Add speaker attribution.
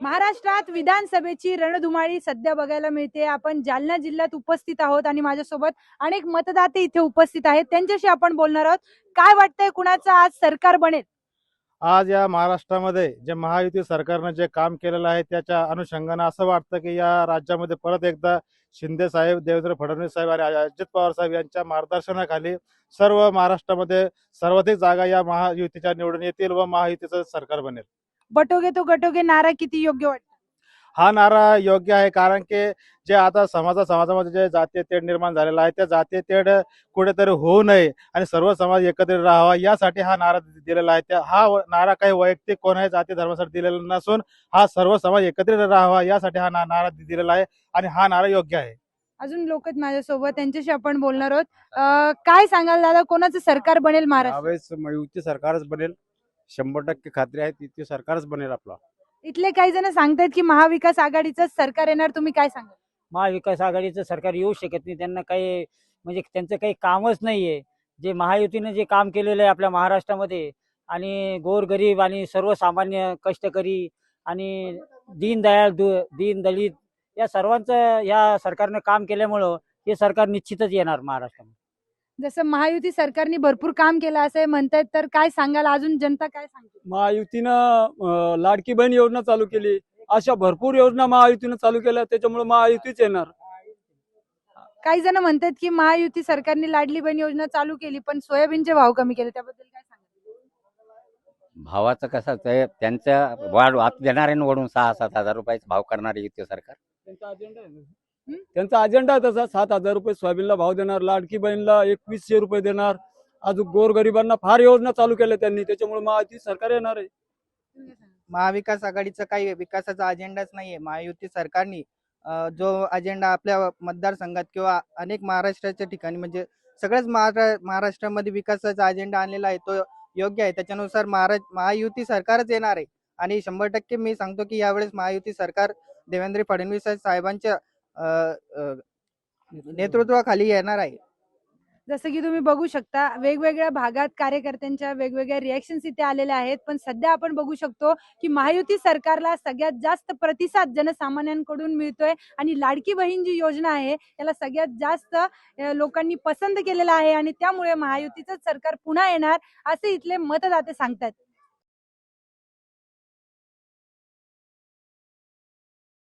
Speaker 1: महाराष्ट्रात विधानसभेची रणधुमाळी सध्या बघायला मिळते. आपण जालना जिल्ह्यात उपस्थित आहोत आणि माझ्यासोबत अनेक मतदाते इथे उपस्थित आहेत. त्यांच्याशी आपण बोलणार आहोत. काय वाटतंय, कुणाचं आज सरकार बनेल?
Speaker 2: आज या महाराष्ट्रामध्ये जे महायुती सरकारनं जे काम केलेलं आहे त्याच्या अनुषंगानं असं वाटतं की या राज्यामध्ये परत एकदा शिंदे साहेब, देवेंद्र फडणवीस साहेब आणि अजित पवार साहेब यांच्या मार्गदर्शनाखाली सर्व महाराष्ट्रामध्ये सर्वाधिक जागा या महायुतीच्या निवडून येतील व महायुतीचं सरकार बनेल.
Speaker 1: बटोगे तो गटोगे नारा किती योग्य वाटतं?
Speaker 2: हा नारा योग्य आहे, कारण की जे आता समाजामध्ये जे जातीय तेढ निर्माण झालेला आहे त्या जातीय तेढ कुठेतरी होऊ नये आणि सर्व समाज एकत्रित राहावा यासाठी हा नारा दिलेला आहे. नारा काही वैयक्तिक कोणाही जाती धर्मासाठी दिलेला नसून हा सर्व समाज एकत्रित राहावा यासाठी हा नारा दिलेला आहे आणि हा नारा योग्य आहे.
Speaker 1: अजून लोक आहेत माझ्यासोबत, त्यांच्याशी आपण बोलणार आहोत. काय सांगाल दादा, कोणाचं सरकार बनेल महाराष्ट्र?
Speaker 3: यावेळेस युती सरकारच बनेल, 100% खात्री आहे. युती सरकारच बनेल आपला.
Speaker 1: इथले काही जण सांगतायत की महाविकास आघाडीचं सरकार येणार, तुम्ही काय सांगाल?
Speaker 4: महाविकास आघाडीचं सरकार येऊ शकत नाही. त्यांना काही म्हणजे त्यांचं काही कामच नाहीये. जे महायुतीने जे काम केलेलं आहे आपल्या महाराष्ट्रामध्ये आणि गोरगरीब आणि सर्वसामान्य कष्टकरी आणि दीन दलित या सर्वांचं या सरकारनं काम केल्यामुळं हे सरकार निश्चितच येणार महाराष्ट्रामध्ये.
Speaker 1: जसं महायुती सरकारने भरपूर काम केलं असं म्हणतायत, तर काय सांगाल? अजून जनता काय सांगते?
Speaker 5: महायुतीनं लाडकी बहीण योजना चालू केली. अशा भरपूर योजना महायुतीनं चालू केल्या, त्याच्यामुळे महायुतीच येणार.
Speaker 1: काही जण म्हणतात की महायुती सरकारने लाडली बहीण योजना चालू केली पण सोयाबीनचे भाव कमी केले, त्याबद्दल काय सांगाल?
Speaker 6: भावाचं कसं आहे, त्यांच्या वाढ देणार आहे वडून 6-7 हजार रुपयाचा भाव करणारे युती सरकार.
Speaker 5: त्यांचा अजेंडा आहे ना. त्यांचा अजेंडा आहे तसा. 7,000 रुपये सोयाबीनला भाव देणार, लाडकी बहीणला 2100 रुपये देणार. अजून गोरगरिबांना फार योजना चालू केल्या त्यांनी, त्याच्यामुळे महायुती सरकार येणार आहे.
Speaker 7: महाविकास आघाडीचा काही विकासाचा अजेंडाच नाहीये. महायुती सरकारने जो अजेंडा आपल्या मतदारसंघात किंवा अनेक महाराष्ट्राच्या ठिकाणी म्हणजे सगळ्याच महाराष्ट्रामध्ये विकासाचा अजेंडा आणलेला आहे, तो योग्य आहे. त्याच्यानुसार महायुती सरकारच येणार आहे आणि 100% मी सांगतो की यावेळेस महायुती सरकार देवेंद्र फडणवीस साहेबांच्या नेतृत्वाखाली येणार आहे.
Speaker 1: जसं की तुम्ही बघू शकता, वेगवेगळ्या भागात कार्यकर्त्यांच्या वेगवेगळ्या रिॲक्शन्स इथे आलेल्या आहेत. पण सध्या आपण बघू शकतो की महायुती सरकारला सगळ्यात जास्त प्रतिसाद जनसामान्यांकडून मिळतोय आणि लाडकी बहीण जी योजना आहे त्याला सगळ्यात जास्त लोकांनी पसंत केलेला आहे आणि त्यामुळे महायुतीचं सरकार पुन्हा येणार असे इथले मतदाते सांगतात.